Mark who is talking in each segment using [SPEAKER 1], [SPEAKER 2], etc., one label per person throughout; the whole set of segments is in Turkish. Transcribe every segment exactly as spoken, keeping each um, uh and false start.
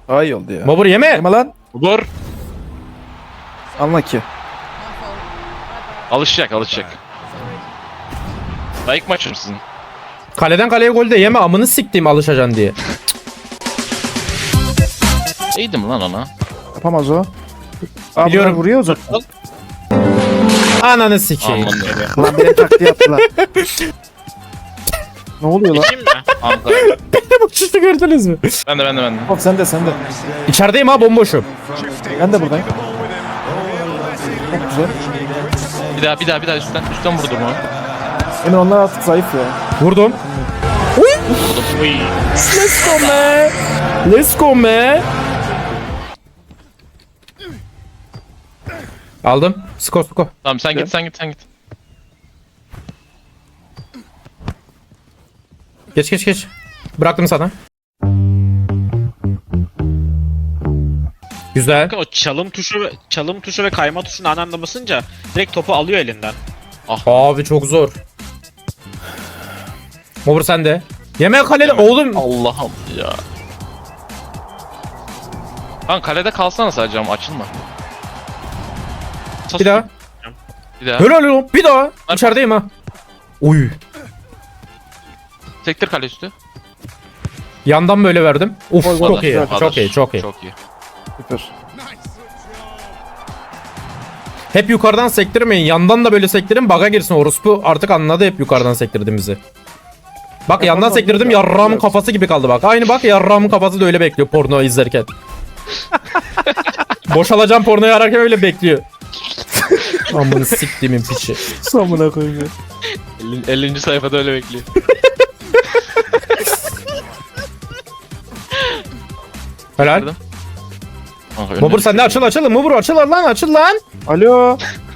[SPEAKER 1] Daha iyi oldu ya.
[SPEAKER 2] Mobur yeme.
[SPEAKER 1] Yeme lan.
[SPEAKER 3] Vur.
[SPEAKER 1] Anla ki.
[SPEAKER 3] Alışacak alışacak. Daha ilk maçım sizin.
[SPEAKER 2] Kaleden kaleye gol de yeme, amını siktiğim alışacaksın diye.
[SPEAKER 3] İyiydim lan ona.
[SPEAKER 1] Yapamaz o. Aa,
[SPEAKER 2] Biliyorum.
[SPEAKER 1] bunlar vuruyor uzaktan.
[SPEAKER 2] Ananı sikeyim.
[SPEAKER 3] Aman ne.
[SPEAKER 1] Lan benim taktiği yaptılar. Ne oluyor lan?
[SPEAKER 3] Geçeyim mi? Ankara.
[SPEAKER 2] Bu uçuştu, gördünüz mü?
[SPEAKER 3] Ben de ben de ben de.
[SPEAKER 1] Hop sen de sen de.
[SPEAKER 2] İçerideyim ha, bomboşum.
[SPEAKER 1] Ben de buradayım. Çok güzel.
[SPEAKER 3] Bir daha bir daha bir daha üstten üstten vurdum onu.
[SPEAKER 1] Emin onlar artık zayıf ya.
[SPEAKER 2] Vurdum.
[SPEAKER 3] Vurdum. Uy.
[SPEAKER 2] Let's go man. Let's go man. Aldım. Sko sko.
[SPEAKER 3] Tamam sen git sen git sen git.
[SPEAKER 2] Geç geç geç. Bıraktım sana. Güzel.
[SPEAKER 4] O çalım tuşu ve çalım tuşu ve kayma tuşunu aynı anda basınca direkt topu alıyor elinden.
[SPEAKER 2] Abi çok zor. Mobur sende. Yeme kaleli oğlum.
[SPEAKER 3] Allah'ım ya. Lan kalede kalsana sadece ama açılma.
[SPEAKER 2] Bir daha.
[SPEAKER 3] Bir daha.
[SPEAKER 2] Helal oğlum. Bir daha. İçerideyim ha. Uy.
[SPEAKER 3] Sektir kale üstü.
[SPEAKER 2] Yandan böyle verdim. Uf
[SPEAKER 1] Gol, gol.
[SPEAKER 2] çok iyi.
[SPEAKER 1] Güzel.
[SPEAKER 2] Çok iyi. Çok iyi.
[SPEAKER 3] Çok iyi.
[SPEAKER 1] Süper.
[SPEAKER 2] Hep yukarıdan sektirmeyin. Yandan da böyle sektirin. Baga girsin. Orospu artık anladı hep yukarıdan sektirdiğimizi. Bak yandan
[SPEAKER 1] Yapamam
[SPEAKER 2] sektirdim.
[SPEAKER 1] ya.
[SPEAKER 2] Yarrağımın kafası gibi kaldı bak. Aynı bak, yarrağımın kafası da öyle bekliyor porno izlerken. Boşalacağım pornoyu ararken öyle bekliyor. Amını siktiğimin piçi.
[SPEAKER 1] Samına koyayım ya.
[SPEAKER 3] ellinci sayfada öyle bekliyor.
[SPEAKER 2] Helal.
[SPEAKER 3] Kanka, önüne
[SPEAKER 2] Mobur sen de
[SPEAKER 3] düşüyor.
[SPEAKER 2] açıl açıl. Mobur açıl lan, açıl lan.
[SPEAKER 1] Alo.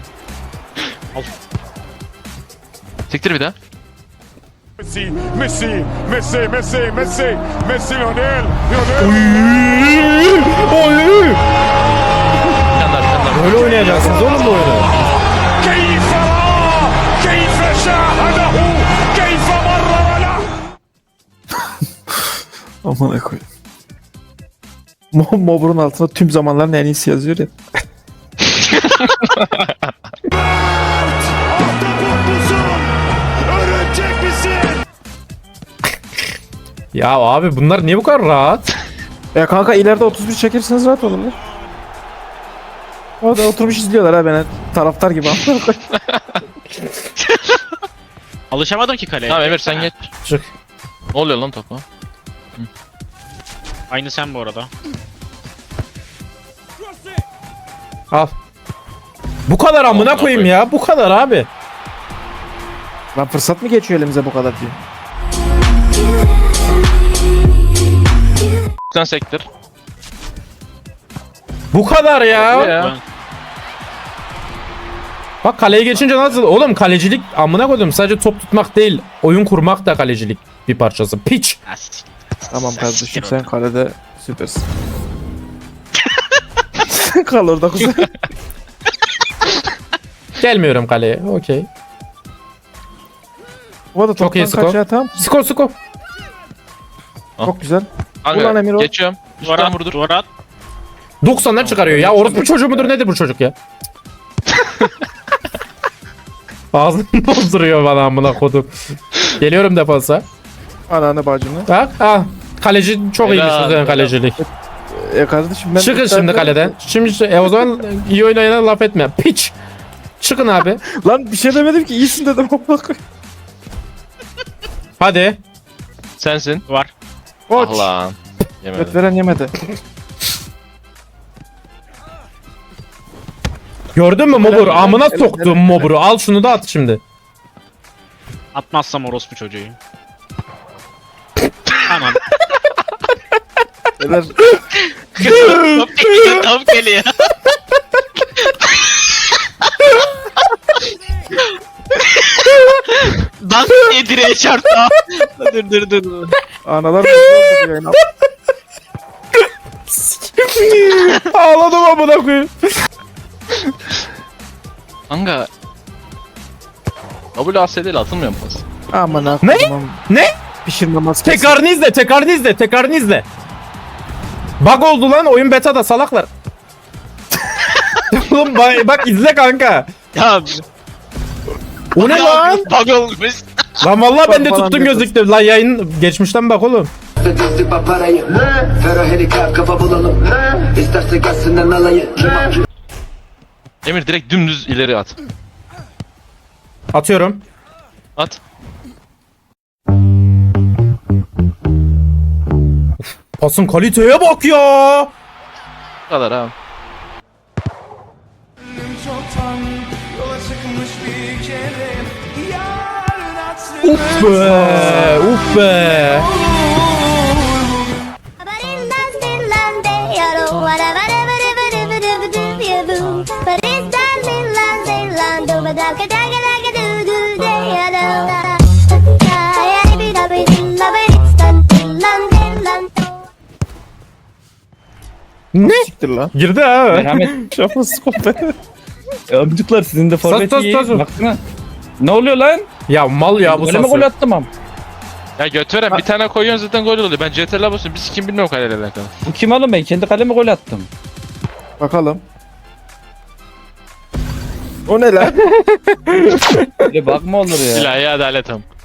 [SPEAKER 3] Sektir bir daha.
[SPEAKER 5] Messi, Messi, Messi, Messi, Messi, Messi, Lionel, Lionel.
[SPEAKER 2] Oy.
[SPEAKER 3] Bir tane daha bir tane daha.
[SPEAKER 2] Böyle oynayacaksınız oğlum bu oyunu.
[SPEAKER 5] كيف رأى كيف شاهده كيف مرر له.
[SPEAKER 1] Amına koyayım. Mo- Mobur'un altına tüm zamanların en iyisi yazıyor ya.
[SPEAKER 5] Örümcek misin?
[SPEAKER 2] Ya abi bunlar niye bu kadar rahat?
[SPEAKER 1] Ya kanka ileride otuz bir çekerseniz rahat olurlar. O da oturmuş izliyorlar ha beni. Taraftar gibi. Amına koyayım.
[SPEAKER 4] Alışamadım ki kaleye.
[SPEAKER 3] Tamam Emir sen geç.
[SPEAKER 2] Çık.
[SPEAKER 3] Ne oluyor lan topa?
[SPEAKER 4] Aynı sen bu arada.
[SPEAKER 2] Al. Bu kadar amına
[SPEAKER 3] Amına
[SPEAKER 2] koyayım
[SPEAKER 3] koyayım.
[SPEAKER 2] ya. Bu kadar abi.
[SPEAKER 1] Lan fırsat mı geçiyor elimize bu kadar diye.
[SPEAKER 3] Sen sektir.
[SPEAKER 2] Bu kadar ya.
[SPEAKER 3] Ya.
[SPEAKER 4] Ben-
[SPEAKER 2] Bak kaleye geçince nasıl? Oğlum kalecilik amına koydum. Sadece top tutmak değil. Oyun kurmak da kalecilik bir parçası. Piç.
[SPEAKER 4] As-
[SPEAKER 1] Tamam kardeşim
[SPEAKER 4] Siktir
[SPEAKER 1] sen kalede süpersin. Kal orada kuzey.
[SPEAKER 2] Gelmiyorum kaleye. Okey.
[SPEAKER 1] O da
[SPEAKER 2] Çok iyi
[SPEAKER 1] toptan
[SPEAKER 2] skor.
[SPEAKER 1] kaçıyor tamam.
[SPEAKER 2] Skor skor.
[SPEAKER 1] Çok güzel.
[SPEAKER 3] Kanka,
[SPEAKER 1] Ulan Emir o.
[SPEAKER 3] geçiyorum.
[SPEAKER 4] Duvara
[SPEAKER 3] Üstten
[SPEAKER 4] at,
[SPEAKER 3] vurdur.
[SPEAKER 4] duvara at.
[SPEAKER 2] doksandan çıkarıyor ya. Orospu çocuğu mudur nedir bu çocuk ya? Ağzını bozduruyor bana amına kodum. Geliyorum defansa.
[SPEAKER 1] Ananı bacını.
[SPEAKER 2] Bak ha. Kaleci çok
[SPEAKER 3] Helal,
[SPEAKER 2] iyiymiş
[SPEAKER 3] helal.
[SPEAKER 2] bu kalecilik.
[SPEAKER 1] E kardeşim ben...
[SPEAKER 2] Çıkın şimdi kaleden. Şimdi e, o zaman iyi oynayana laf etme. Piç. Çıkın abi.
[SPEAKER 1] Lan bir şey demedim ki iyisin dedim.
[SPEAKER 2] Hadi.
[SPEAKER 3] Sensin.
[SPEAKER 4] Var.
[SPEAKER 1] Koç.
[SPEAKER 3] Ah lan.
[SPEAKER 1] Göt
[SPEAKER 3] Yemedim.
[SPEAKER 1] veren yemedi.
[SPEAKER 2] Gördün mü Mobur?
[SPEAKER 1] Helal,
[SPEAKER 2] Amına
[SPEAKER 1] helal,
[SPEAKER 2] soktum
[SPEAKER 1] helal.
[SPEAKER 2] Mobur'u. Al şunu da at şimdi.
[SPEAKER 4] Atmazsam orospu çocuğu. Tamam.
[SPEAKER 1] Beyler
[SPEAKER 4] Top geliyor, top geliyor. Dans diye direğe çarptı. Dur dur dur dur.
[SPEAKER 1] analar mı oldu bu yayına?
[SPEAKER 2] Ağladım amına koyayım.
[SPEAKER 3] Kanka. W A S D ile atılmıyor mu pas?
[SPEAKER 1] Aman
[SPEAKER 2] Ne?
[SPEAKER 1] aklıma
[SPEAKER 2] Ne?
[SPEAKER 1] pişirme maskesi.
[SPEAKER 2] Tekrarını izle, tekrarını izle, tekrarını izle. Bug oldu lan oyun beta'da salaklar. Oğlum bak, bak izle kanka.
[SPEAKER 4] Ya
[SPEAKER 2] O ne lan?
[SPEAKER 3] Bug olmuş.
[SPEAKER 2] Lan vallahi ben de
[SPEAKER 1] Falan
[SPEAKER 2] tuttum
[SPEAKER 1] diyorsun.
[SPEAKER 2] gözüktü. Lan yayın geçmişten bak oğlum.
[SPEAKER 6] Ödedi parayı Ferro helikap kafa bulalım İsterse gelsinden alayı
[SPEAKER 3] Emir direkt dümdüz ileri at.
[SPEAKER 2] Atıyorum.
[SPEAKER 3] At.
[SPEAKER 2] Pasın kaliteye bak ya.
[SPEAKER 3] Bu kadar abi.
[SPEAKER 2] Uf be. Uf be. Ne?
[SPEAKER 1] Siktir lan.
[SPEAKER 2] Girdi ha.
[SPEAKER 7] Merhamet.
[SPEAKER 1] Şafası koptu.
[SPEAKER 7] Amcuklar sizin de forvet
[SPEAKER 2] sus,
[SPEAKER 7] iyi.
[SPEAKER 2] sus, sus.
[SPEAKER 7] Baksana. Ne oluyor lan?
[SPEAKER 2] Ya mal ya bu
[SPEAKER 7] Gole mi
[SPEAKER 2] sası.
[SPEAKER 7] gol attım am?
[SPEAKER 3] Ya götüren bir tane koyuyorsun zaten gol oluyor. Ben C T L'e basıyorum. Biz kim bilmiyorum kaleyle alakalı.
[SPEAKER 7] Bu kim oğlum, ben kendi kaleme gol attım.
[SPEAKER 1] Bakalım. O ne lan?
[SPEAKER 7] Böyle bakma olur ya.
[SPEAKER 3] İlahi adalet am.